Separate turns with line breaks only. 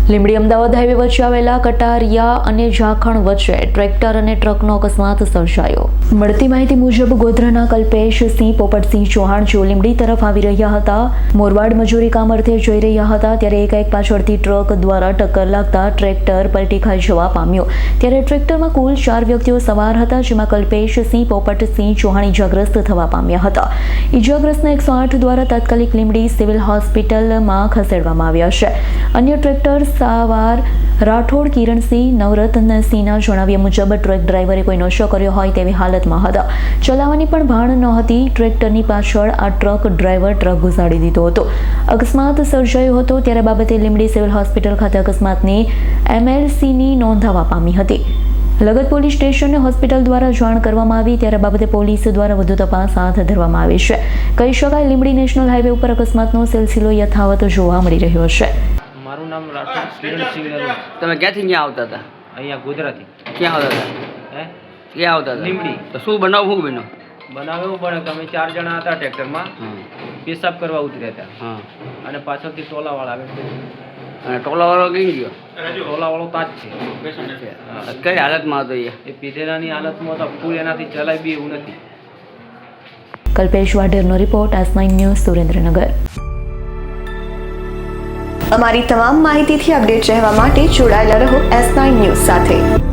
Limbdi Ahmedabad highway વચ્ચે આવેલા કટારિયા અને ઝાખણ વચ્ચે ટ્રેક્ટર અને ટ્રકનો અકસ્માત સર્જાયો। મળતી માહિતી મુજબ ગોધરાના કલ્પેશસિંહ પોપટસિંહ ચૌહાણ જેઓ લીંબડી તરફ આવી રહ્યા હતા। મોરવાડ મજૂરી કામ અર્થે જઈ રહ્યા હતા ત્યારે એકાએક પાછળથી ટ્રક દ્વારા ટક્કર લાગતા ટ્રેક્ટર પલટી ખાઈ જવા પામ્યો। ત્યારે ટ્રેક્ટરમાં કુલ 4 વ્યક્તિઓ સવાર હતા, જેમાં કલ્પેશસિંહ પોપટસિંહ ચૌહાણ ઇજાગ્રસ્ત થવા પામ્યા હતા। ઇજાગ્રસ્તને 108 દ્વારા તાત્કાલિક લીંબડી સિવિલ હોસ્પિટલમાં ખસેડવામાં આવ્યા છે। અન્ય ટ્રેક્ટર સવાર રાઠોડ કિરણસિંહ નવરત્નસિંહના જણાવ્યા મુજબ ટ્રક ડ્રાઈવરે કોઈ નશો કર્યો હોય તેવી હાલતમાં હતા। ચલાવવાની પણ ભાન નહોતી। ટ્રેક્ટરની પાછળ આ ટ્રક ડ્રાઈવર ટ્રક ઘુસાડી દીધો હતો। અકસ્માત સર્જાયો હતો ત્યારે બાબતે લીંબડી સિવિલ હોસ્પિટલ ખાતે અકસ્માતની MLCની નોંધાવા પામી હતી। લગત પોલીસ સ્ટેશનને હોસ્પિટલ દ્વારા જાણ કરવામાં આવી ત્યારે બાબતે પોલીસ દ્વારા વધુ તપાસ હાથ ધરવામાં આવી છે। કહી શકાય લીંબડી નેશનલ હાઈવે ઉપર અકસ્માતનો સિલસિલો યથાવત જોવા મળી રહ્યો છે।
મારું નામ રાઠોડ કિરણસિંહ નરવા।
તમે ક્યાંથી ક્યાં આવતા હતા?
અહીંયા ગોધરાથી।
ક્યાં આવતા હતા?
હે
ક્યાં આવતા હતા?
લીંબડી।
તો શું બનાવ શું બન્યો?
બનાવ એવું બને કે અમે 4 જણા હતા ટ્રેક્ટરમાં, પેશાબ કરવા ઉતર્યા હતા
હા,
અને પાછળથી ટોલાવાળા આવે છે।
અને ટોલાવાળો કઈ ગયો?
ટોલાવાળો તાજ છે।
કઈ હાલતમાં હતો
એ પીધેલાની હાલતમાં તો ફૂલ એનાથી ચલાય બી એવું નથી।
કલ્પેશ વાઢેરનો રિપોર્ટ S9 ન્યૂઝ સુરેન્દ્રનગર।
અમારી તમામ માહિતીથી અપડેટ રહેવા માટે જોડાયેલા રહો S9 ન્યૂઝ સાથે।